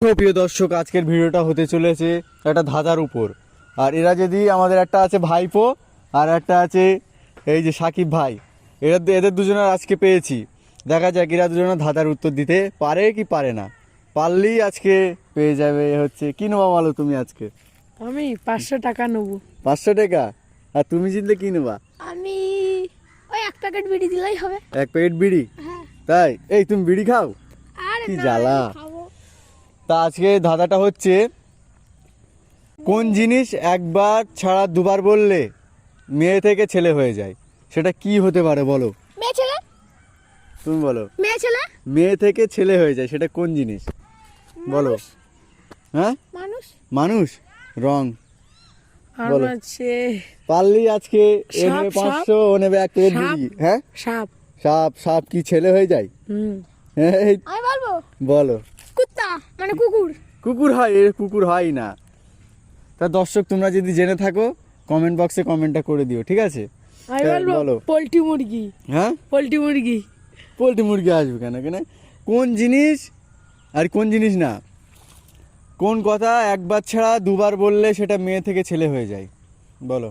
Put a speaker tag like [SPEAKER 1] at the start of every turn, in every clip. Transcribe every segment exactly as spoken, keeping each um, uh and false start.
[SPEAKER 1] প্রিয় দর্শক, আজকের ভিডিওটা হতে চলেছে একটা ধাঁধার উপর। আর এরা যদি আমাদের একটা আছে ভাইপো আর একটা আছে এই যে সাকিব ভাই, এরা এদের দুজনের আজকে পেয়েছি। দেখা যাক এরা দুজনের ধাঁধার উত্তর দিতে পারে কি পারে না। পারলেই আজকে পেয়ে যাবে। হচ্ছে কি নেবা বলো তুমি আজকে?
[SPEAKER 2] আমি পাঁচশো টাকা নেবো।
[SPEAKER 1] পাঁচশো টাকা? আর তুমি জিতলে কি নেবা?
[SPEAKER 3] আমি ওই এক প্যাকেট বিড়ি দিলেই হবে।
[SPEAKER 1] এক প্যাকেট বিড়ি?
[SPEAKER 3] হ্যাঁ।
[SPEAKER 1] তাই? এই তুমি বিড়ি খাও?
[SPEAKER 3] আরে
[SPEAKER 1] কি
[SPEAKER 3] না,
[SPEAKER 1] জ্বালা।
[SPEAKER 3] আমি খাবো।
[SPEAKER 1] তা আজকে ধাঁধাটা হচ্ছে, কোন জিনিস একবার ছাড়া দুবার বললে মেয়ে থেকে ছেলে হয়ে যায়? সেটা কি হতে পারে বলো?
[SPEAKER 3] মেয়ে ছেলে।
[SPEAKER 1] তুমি বলো।
[SPEAKER 3] মেয়ে ছেলে।
[SPEAKER 1] মেয়ে থেকে ছেলে হয়ে যায়, সেটা কোন জিনিস বলো?
[SPEAKER 3] মানুষ।
[SPEAKER 1] হ্যাঁ,
[SPEAKER 3] মানুষ।
[SPEAKER 1] মানুষ। রং।
[SPEAKER 2] আর
[SPEAKER 1] বলো।
[SPEAKER 2] আছে
[SPEAKER 1] পারলেই আজকে এ
[SPEAKER 2] সাপ,
[SPEAKER 1] নেবে
[SPEAKER 2] সাপ।
[SPEAKER 1] পাঁচশো, ও নেবে এক প্লেট
[SPEAKER 2] সাপ।
[SPEAKER 1] বিড়ি। হ্যাঁ,
[SPEAKER 2] সাপ।
[SPEAKER 1] সাপ। সাপ কি ছেলে হয়ে যায়?
[SPEAKER 2] হুম
[SPEAKER 1] হ্যাঁ, এই
[SPEAKER 3] আমি বলবো
[SPEAKER 1] বলো।
[SPEAKER 3] কুত্তা মানে কুকুর।
[SPEAKER 1] কুকুর হয়? এর কুকুর হয় না। তা দর্শক, তোমরা যদি জেনে থাকো কমেন্ট বক্সে কমেন্টটা করে দিও, ঠিক আছে?
[SPEAKER 2] আমি
[SPEAKER 1] হ্যাঁ,
[SPEAKER 2] বলবো
[SPEAKER 1] বলো।
[SPEAKER 2] পোল্ট্রি মুরগি।
[SPEAKER 1] হ্যাঁ,
[SPEAKER 2] পোল্ট্রি মুরগি।
[SPEAKER 1] পোল্ট্রি মুরগি আসবে কেন? কেন কোন জিনিস, আর কোন জিনিস না, কোন কথা একবার ছাড়া দুবার বললে সেটা মেয়ে থেকে ছেলে হয়ে যায়? বলো।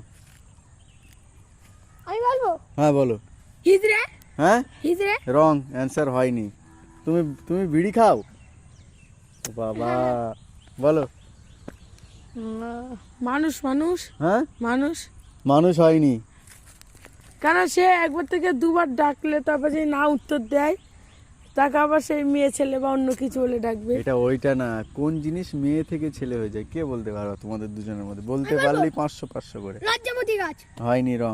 [SPEAKER 3] আমি বলবো
[SPEAKER 1] হ্যাঁ বলো।
[SPEAKER 3] হিজড়ে।
[SPEAKER 1] হ্যাঁ,
[SPEAKER 3] হিজড়ে।
[SPEAKER 1] রং অ্যান্সার হয়নি। তুমি তুমি বিড়ি খাও? ও বাবা, বলো।
[SPEAKER 2] আহ, মানুষ। মানুষ।
[SPEAKER 1] হ্যাঁ,
[SPEAKER 2] মানুষ।
[SPEAKER 1] মানুষ হয়নি।
[SPEAKER 2] কেন সে একবার থেকে দুবার ডাকলে তারপর যদি না উত্তর দেয়, তাকে আবার সেই মেয়ে ছেলে বা অন্য কিছু বলে ডাকবে।
[SPEAKER 1] এটা ওইটা না। কোন জিনিস মেয়ে থেকে ছেলে হয়ে যায়? কে বলতে পারো তোমাদের দুজনের মধ্যে? বলতে পারলেই পাঁচশো পাঁচশো করে।
[SPEAKER 3] লজ্জামতি গাছ।
[SPEAKER 1] হয়নি, রং।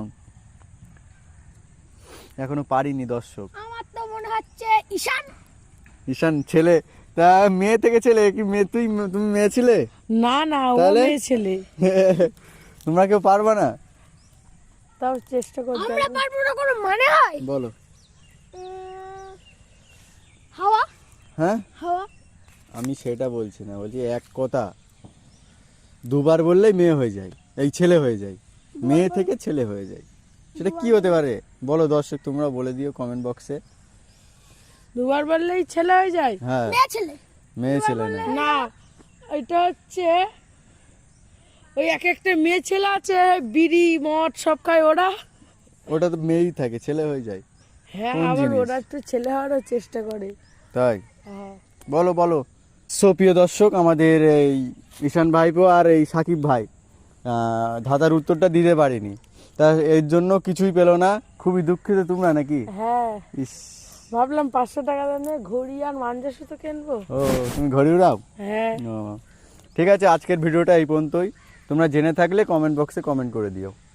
[SPEAKER 1] এখনো পারিনি দর্শক।
[SPEAKER 3] আমার তো মনে হচ্ছে ঈশান।
[SPEAKER 1] ঈশান ছেলে? তা মেয়ে থেকে ছেলে কি? মেয়ে তুই তুমি মেয়ে ছিলে?
[SPEAKER 2] না না, ও
[SPEAKER 1] তাহলে?
[SPEAKER 2] মেয়ে ছেলে।
[SPEAKER 1] তোমরা কেউ পারবা না?
[SPEAKER 2] তাও চেষ্টা করতে
[SPEAKER 3] আমরা
[SPEAKER 2] হবে।
[SPEAKER 3] পারবো না কোনো মানে হয়?
[SPEAKER 1] বলো।
[SPEAKER 3] উম, হাওয়া।
[SPEAKER 1] হ্যাঁ,
[SPEAKER 3] হাওয়া।
[SPEAKER 1] আমি সেটা বলছি না, বলছি এক কথা দুবার বললেই মেয়ে হয়ে যায়, এই ছেলে হয়ে যায়, মেয়ে থেকে ছেলে হয়ে যায়। সেটা কি হতে পারে বলো দর্শক, তোমরা বলে দিও কমেন্ট বক্সে।
[SPEAKER 2] দুবার বললেই ছেলে হয়ে যায়?
[SPEAKER 1] হ্যাঁ,
[SPEAKER 3] মেয়ে ছেলে।
[SPEAKER 1] মেয়ে ছেলে না।
[SPEAKER 2] না, এটা হচ্ছে ওই এক একটা মেয়ে ছেলে আছে, বিড়ি মদ সব খায় ওরা।
[SPEAKER 1] ওটা তো মেয়েই থাকে, ছেলে হয়ে যায়।
[SPEAKER 2] হ্যাঁ,
[SPEAKER 1] কোন
[SPEAKER 2] আবার
[SPEAKER 1] জিনিস?
[SPEAKER 2] ওরা একটু ছেলে হওয়ারও চেষ্টা করে।
[SPEAKER 1] তাই?
[SPEAKER 2] হ্যাঁ।
[SPEAKER 1] বলো বলো। সো প্রিয় দর্শক, আমাদের এই ঈশান ভাইপো আর এই সাকিব ভাই আহ, ধাঁধার উত্তরটা দিতে পারিনি, তা এর জন্য কিছুই পেলো না। খুবই দুঃখিত তোমরা নাকি?
[SPEAKER 2] হ্যাঁ,
[SPEAKER 1] ইস,
[SPEAKER 2] ভাবলাম পাঁচশো টাকা দামে ঘড়ি আর মাঞ্জা সুতো কিনবো।
[SPEAKER 1] ও তুমি ঘড়ি উড়াও?
[SPEAKER 2] হ্যাঁ।
[SPEAKER 1] ও, ঠিক আছে, আজকের ভিডিওটা এই পর্যন্তই। তোমরা জেনে থাকলে কমেন্ট বক্সে কমেন্ট করে দিও।